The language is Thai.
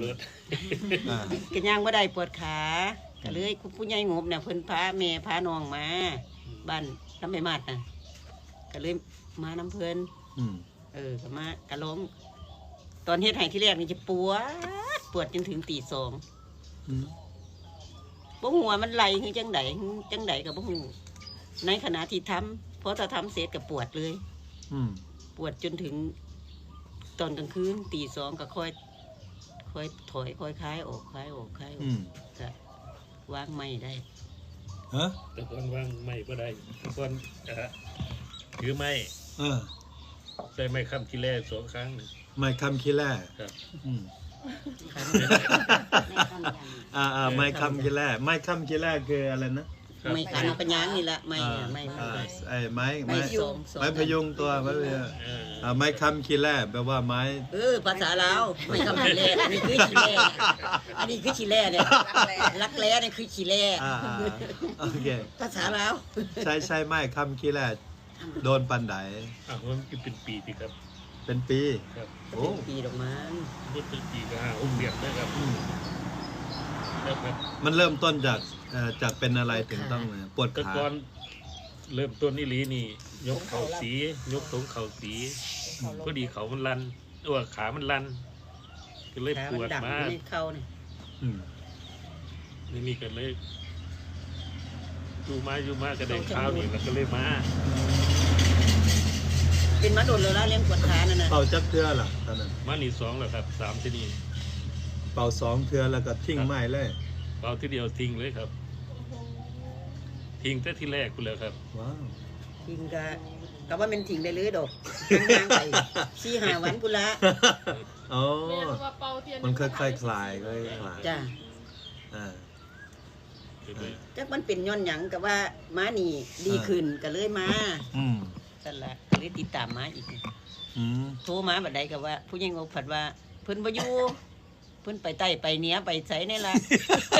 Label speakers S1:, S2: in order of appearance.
S1: ด
S2: ก็ย่างบ่ได้ปวดขาก็เลยคุณผู้ใหญ่งบเนี่ยเพิ่นพาแม่พาน้องมาบ้านน้ำไม่มาดน่ะก็เลยมาน้ำเพิ่นก็มากะล้มตอนเฮ็ดให้ที่แรกนี่จะปวดจนถึงตี 2บ่ฮู้ว่ามันไหลคือจังไดก็บ่ฮู้ในขณะที่ทำพอถ้าทำเสร็จก็ปวดเลยปวดจนถึงตอนกลางคืนตี 2ก็ค่อยถอยค่อยคลายออกก็วางไม่ได้
S1: แต่ก่อนวางไม่ก็ได้แต่ก่อนถือไม่ใส่ไม้ค้ำขี้แร่2 ครั้ง
S3: ไม้ค้ำขี้แร่
S1: ครับ
S3: ไม้ค้ำขี้แร่ไม้ค้ำขี้แร่คืออะไรนะ
S2: ไม่ขันปัญญานี่แหละไม่
S3: ไม้พยุงตัวไม้ค้ำขี้แร่แปลว่าไม้
S2: ภาษาลาวไม่ค้ำขี้แร่อันนี้คือขี้แร่เนี่ยรักแร้เนี่ยคือขี้แร่
S3: โอเค
S2: ภาษาลาว
S3: ใช่ไม้ค้ำขี้แร่โดนปันได
S1: มันเป็นปีสิครับ
S3: เป็นปี
S1: ครับ
S2: เป็นปีดอกมัน
S1: เป็นปีก็5-6 เดือนนะครับ
S3: มันเริ่มต้นจากเป็นอะไรถึงต้องปวดขา
S1: ก่อนเริ่มต้นนี่ลีนี่ยกเข่าสียกตรงเข่าสีพอดีเขามันลันตัวขามันลันก็เลยปวดมาก
S2: เข่านี่
S1: นี่กันเลยอยู่มาก็ได้ข้าวนี่แล้วก็เลยมา
S2: เป็นมาโดนเลยแล้วเลี้ยงปวดขานั่นน่ะ
S3: เป่าจักเทื่อล่ะตอนนั้น
S1: มานี่2แล้วครับ3ที่นี่
S3: เป่า2 เทื่อแล้วก็ทิ้งไม้เลย
S1: เป่าที่เดียวทิ้งเลยครับทิ้งแต่ที่แรกคุณเลยครับ
S3: ว้าว
S2: ทิ้งก็ว่ามันทิ้งได้เลยดอกทางไป4-5 วันพุ่นละ
S3: อ๋อมันค่อยคลาย
S2: จ้ะจักมันเป็นย้อนหยังกับว่าม้านี่ดีขึ้นก็เลยมานั่นแหละเลยติดตามมาอีกโทรมาบัดใดก็ว่าผู้ใหญ่งบผัดว่าเพิ่นบ่อยู่เพิ่นไปใต้ไปเหนือไปไสนี่ล่ะ